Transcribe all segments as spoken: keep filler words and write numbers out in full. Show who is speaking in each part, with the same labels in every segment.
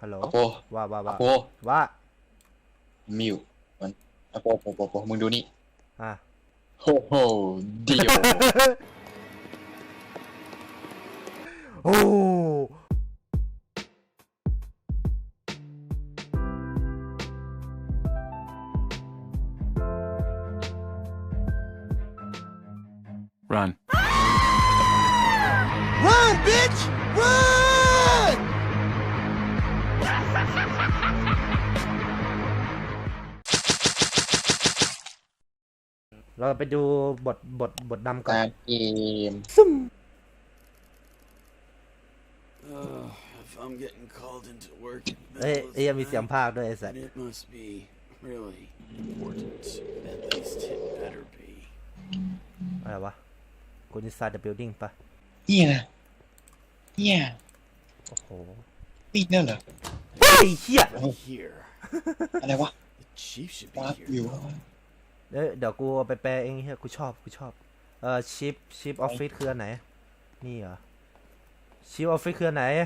Speaker 1: ฮัลโหล
Speaker 2: อโป
Speaker 1: ว่าว่า
Speaker 2: อ
Speaker 1: ว่า
Speaker 2: โป
Speaker 1: ว่า
Speaker 2: มิวมันอโปโปโปโปมึงดูนี่
Speaker 1: อ่ะ
Speaker 2: โฮโฮเดียว
Speaker 1: โอ้
Speaker 3: Run.
Speaker 4: Run, bitch! Run!
Speaker 1: เราไปดูบทบทบทนำก่อน
Speaker 2: ตามเกม
Speaker 1: ซึม
Speaker 4: Uh, if I'm getting called into work in the
Speaker 1: เอ้ย
Speaker 4: middle of
Speaker 1: เอ้ย
Speaker 4: the
Speaker 1: มีเสียง
Speaker 4: night,
Speaker 1: ภาคด้วยไอ้สัส
Speaker 4: then it must be really important. At least it better be.
Speaker 1: อะไรวะกูนิสซาเดอะบิลดิ้งปะ
Speaker 2: เฮียนะเฮีย
Speaker 1: โอ้โห
Speaker 2: นี่เนี่ยเหรอ
Speaker 1: เฮ้ยเฮีย
Speaker 4: Right here.
Speaker 2: อะไรวะ
Speaker 4: The chief should
Speaker 2: วา
Speaker 4: be
Speaker 2: ร์ปวิว
Speaker 4: here.
Speaker 1: เอ้ยเดี๋ยวกูเอาไปแปลเองเฮียกูชอบกูชอบเอ่อชิปชิปออฟฟิศคืออันไหนนี่เหรอชิปออฟฟิศคืออันไหน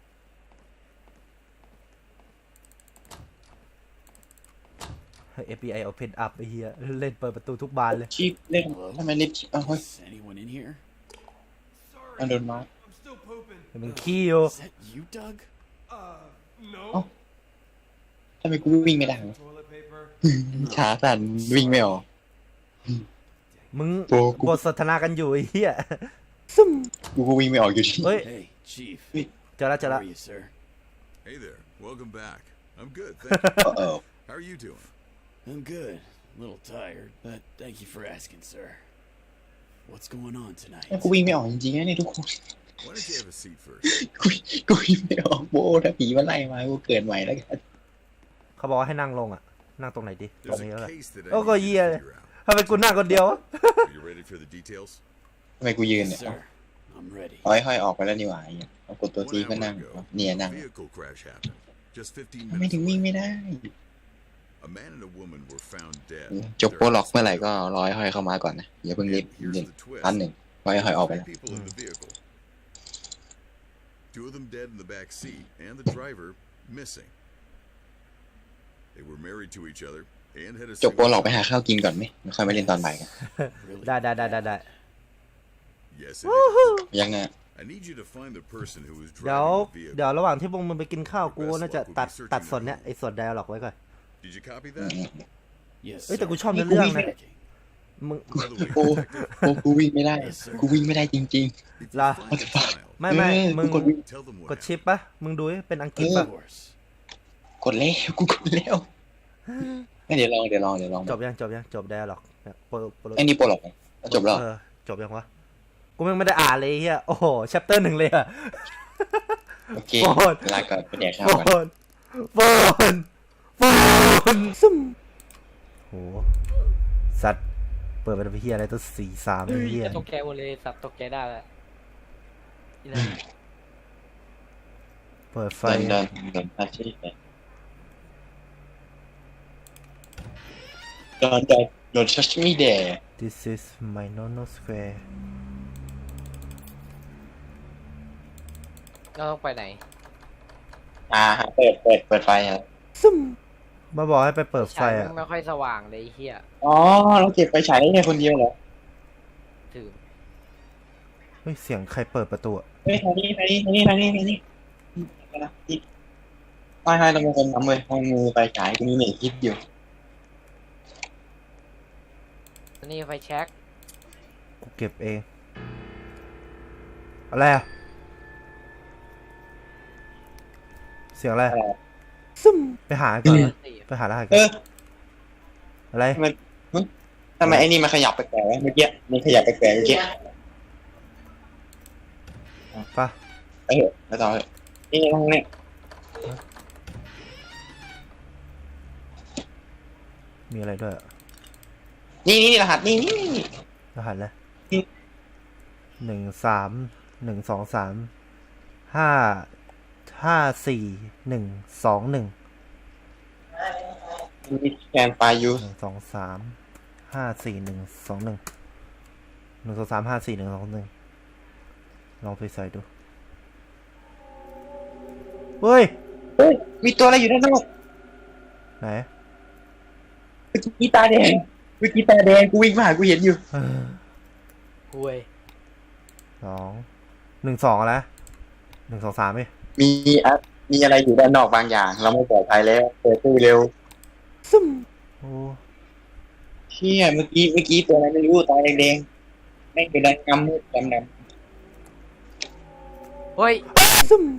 Speaker 1: เอฟบีไอ Open Up ไอ้เฮียเล่นเปิดประตูทุกบานเลย
Speaker 2: ชิปเล่นทำไมเล็บชิปอ้าวเฮ้ย
Speaker 4: Is anyone in here?
Speaker 2: มันโดนมา
Speaker 5: I'm still pooping.
Speaker 1: มึงขี้อยู่
Speaker 4: Is that you, Doug?
Speaker 5: Uh, no.
Speaker 2: ทำไมกูวิ่งไม่ได้วะ
Speaker 5: Toilet paper.
Speaker 2: ขาสั่นวิ่งไม่ออก
Speaker 1: มึง
Speaker 2: โอ้กู
Speaker 1: บทสนทนากันอยู่ไอ้เหี้ย
Speaker 2: กูก็วิ่งไม่ออกอยู่ดี
Speaker 1: เฮ้ย
Speaker 4: Hey, chief.
Speaker 1: เจอแล้วเจอ
Speaker 4: How
Speaker 1: แล้ว
Speaker 4: are you, sir?
Speaker 6: Hey there. Welcome back. I'm good, thank you.
Speaker 2: เออ
Speaker 6: How are you doing?
Speaker 4: I'm good. A little tired, but thank you for asking, sir. What's going on tonight?
Speaker 2: กูวิ่งไม่ออกจริงๆนะเนี่ยทุกคน
Speaker 6: Why don't you have a seat first?
Speaker 2: กูกูวิ่งไม่ออกโบ้ถ้าผีมันไล่มากูเกิดใหม่แล้วกัน
Speaker 1: เขาบอกว่าให้นั่งลงอ่ะ นั่งตรงไหนดีตรง
Speaker 6: There's
Speaker 1: นี้แล้ว
Speaker 6: a
Speaker 1: แหละ
Speaker 6: case that I
Speaker 1: Oh,
Speaker 6: need
Speaker 1: go
Speaker 6: you to
Speaker 1: yeah.
Speaker 6: figure out.
Speaker 1: ทำไมกูนั่งคนเดียววะ
Speaker 6: Are you ready for the details?
Speaker 2: ทำไมกูยืน
Speaker 4: Yes,
Speaker 2: เนี่ย
Speaker 4: sir. I'm ready.
Speaker 2: เอาห้อยๆออกไปแล้วนี่หว่าไอ้เหี้ยเอากดตัวซี
Speaker 6: One
Speaker 2: ก็
Speaker 6: hour
Speaker 2: นั่ง
Speaker 6: ago,
Speaker 2: เนี่ย
Speaker 6: a
Speaker 2: นั่ง
Speaker 6: vehicle crash happened. Just fifteen
Speaker 2: ทำไม
Speaker 6: minutes
Speaker 2: ถึงวิ่ง
Speaker 6: away.
Speaker 2: ไม่ได้
Speaker 6: A man and a woman were found dead.
Speaker 2: จบโปรล็อกเมื่อไหร่ก็ร้อยห้อยเข้ามาก่อนนะอย่าเพิ่งรีบ
Speaker 6: Here's
Speaker 2: เล่น
Speaker 6: the twist.
Speaker 2: อันหนึ่งร้อยห้อยออกไป
Speaker 6: Three
Speaker 2: แล้ว
Speaker 6: people in the vehicle. Two of them dead in the back seat, and the driver missing. They were married to each other and had a
Speaker 2: จบโปร
Speaker 6: single
Speaker 2: ล็อกไปหาข้าวกินก่อนไหมไม่ค่อยมาเล่นตอนบ่ายกัน
Speaker 4: Really?
Speaker 1: ได้ได้ได้ได้ได้
Speaker 6: Yes, it is.
Speaker 2: ยังไง
Speaker 6: I need you to find the person who was
Speaker 1: เดี๋ยว
Speaker 6: driving the vehicle.
Speaker 1: เดี๋ยวระหว่างที่พวกมึงไปกินข้าวกูน่าจะตัดตัดส่วนเนี้ยไอ้ส่วนไดอะล็อกไว้ก่อน
Speaker 6: Did you copy
Speaker 2: อื
Speaker 6: that?
Speaker 2: ม
Speaker 4: Yes,
Speaker 1: เอ้ยแต่
Speaker 4: sir.
Speaker 1: กูชอบเนื้อเรื่องนะ
Speaker 4: Checking.
Speaker 1: มึง
Speaker 6: By the way,
Speaker 2: โอ้
Speaker 6: detective,
Speaker 2: โอ้กูวิ่งไม่ได้ กูวิ่งไม่ได้จริง
Speaker 6: if you
Speaker 1: La.
Speaker 6: find the child,
Speaker 1: ไม่ไม่
Speaker 2: เออ
Speaker 1: มึง
Speaker 2: กูกดวิ่ง
Speaker 6: tell them what
Speaker 1: กด
Speaker 6: happened.
Speaker 1: ชิปปะมึงดูให้เป็นอังกฤษ
Speaker 4: Of
Speaker 1: ปะ
Speaker 4: course.
Speaker 2: ๆ กดแล้วกูกดแล้วงั้นเดี๋ยวลองเดี๋ยวลองเดี๋ยวลอง
Speaker 1: จบยังจบยังจบไดอะล็อกเนี่ยโปรโปร
Speaker 2: ไอ้นี่โปรล็อกไหมจบแล้ว
Speaker 1: เออจบยังวะกูแม่งไม่ได้อ่านเลยไอ้เฮียโอ้โหแชปเตอร์หนึ่งเลยอะ
Speaker 2: โอเค
Speaker 1: โปรด
Speaker 2: ลาก่อนไปแดกข้าว
Speaker 1: โฟ
Speaker 2: ก่อน
Speaker 1: นโฟนโฟนซึมโหสัตว์เปิดเป็นเฮียอะไรตัวสี่สามเฮีย
Speaker 7: จะตกใจหมดเลยสับตกใจได้แล้วนี่นะ
Speaker 1: เปิดไฟ
Speaker 2: เดินเดินเดินอาชีพไปเดินเดินเดินชัชมิเด
Speaker 1: This is my nono square
Speaker 7: ก็ต้องไปไหน
Speaker 2: อ่าฮะเปิดเปิดเปิดไฟครับ
Speaker 1: ซึมมาบอกให้ไปเปิดไฟ
Speaker 7: ฉาย
Speaker 1: อ่ะ
Speaker 7: มันไม่ค่อยสว่างเลยไอ้เฮีย
Speaker 2: อ๋อเราเก็บไฟฉายได้แค่คนเดียวเหรอ
Speaker 7: ถือ
Speaker 1: เฮ้ยเสียงใครเปิดประตูอะ
Speaker 2: เฮ้ยทางนี้ทางนี้ทางนี้ทางนี้ทางนี้ไม่ให้เราเป็นคนทำเลยเอามือไฟฉายกูมีเน็ตคิดอยู่
Speaker 7: อันนี้ไฟแช็ก
Speaker 1: กูเก็บเองอะไรอะเสียงอะไรซึมไปหาก่อนไปหารหัสก่
Speaker 2: เอ
Speaker 1: อน
Speaker 2: อ
Speaker 1: อะไร
Speaker 2: ทำไมทำไมไอ้นี่มันขยับแปลกๆวะเมื่อกี้มันขยับแปลกๆเมื่อกี้
Speaker 1: ปะ
Speaker 2: ไปเถอะไปต่อเถอะนี่ห้องเนี่ย
Speaker 1: มีอะไรด้วยอะ
Speaker 2: นี่นี่รหัสนี่นี่นี่
Speaker 1: รหัสอะไร
Speaker 2: อืม
Speaker 1: หนึ่งสามหนึ่งสองสามห้าห้าสี่หนึ่งสองหนึ่ง
Speaker 2: มีแกนไฟอยู่
Speaker 1: หนึ่งสองสามห้าสี่หนึ่งสองหนึ่งหนึ่งสองสามห้าสี่หนึ่งสองหนึ่งลองไปใส่ดูเฮ้ย
Speaker 2: เฮ้ยมีตัวอะไรอยู่ด้านนอก
Speaker 1: ไหน
Speaker 2: เมื่อกี้ตาแดงเมื่อกี้ตาแดงกูวิ่งผ่านกูเห็นอยู่
Speaker 1: เออ
Speaker 7: ห่วย
Speaker 1: สองหนึ่งสองอะไรหนึ่งสองสามไหม
Speaker 2: มีอะมีอะไรอยู่ด้านนอกบางอย่าง เราไม่ปลอดภัยแล้วเปิดตู้เร็ว
Speaker 1: ซึมโอ้
Speaker 2: เชี่ยเมื่อกี้เมื่อกี้ตัวอะไรไม่รู้ตาแดงๆไม่งเป็นดำดำมืดดำด
Speaker 7: เฮ้ย
Speaker 1: ซึม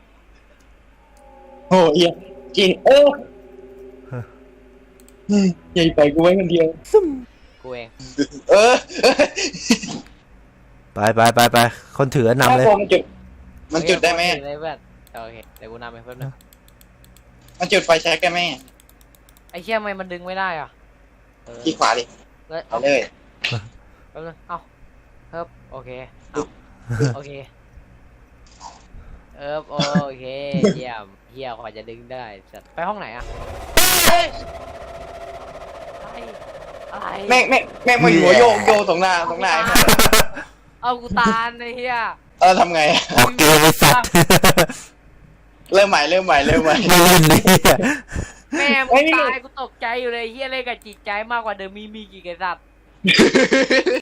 Speaker 2: ำโอ้เฮียกินเอออืมใหญ่ไปกูไว้คนเดียว
Speaker 1: ซึม
Speaker 7: กูเอง
Speaker 2: เออ
Speaker 1: ไปไปไปไปคนถือนำเลย
Speaker 2: มันจุดมันจุดได้ไหม
Speaker 7: โอเคเลยเพื่อนโอเคเดี๋ยวกูนำไปเพิ่มนึง
Speaker 2: มันจุดไฟแช็กได้ไหม
Speaker 7: ไอ้เชี่ยทำไมมันดึงไม่ได้อ่ะเออ
Speaker 2: ที่ขวาดิ
Speaker 7: เลย
Speaker 2: เอา
Speaker 7: เอา
Speaker 2: เลย
Speaker 7: แป๊บนึงเอาเพิ่มโอเคเอาโอเคเออโอเคเยี่ยมเยี่ยมกว่าจะดึงได้สัตว์ไปห้องไหนอ่ะอะไรอะไร
Speaker 2: แม่งแม่งแม่งมาหัวโยกโยกตรงหน้าตรงหน้า
Speaker 7: เอากูตาลไอ้เหี้ย
Speaker 2: เออทำไง
Speaker 1: ออกเกมไอ้สัตว์
Speaker 2: เริ่มใหม่เริ่มใหม่เริ่มใหม่
Speaker 1: ไม่เล่นเลย
Speaker 7: แม่
Speaker 2: เฮ้
Speaker 7: มึง
Speaker 2: ย
Speaker 7: ตายกูตกใจอยู่เลยเฮียเล่นกับจิตใจมากกว่าเดิมมีมีกี่กษัตริย์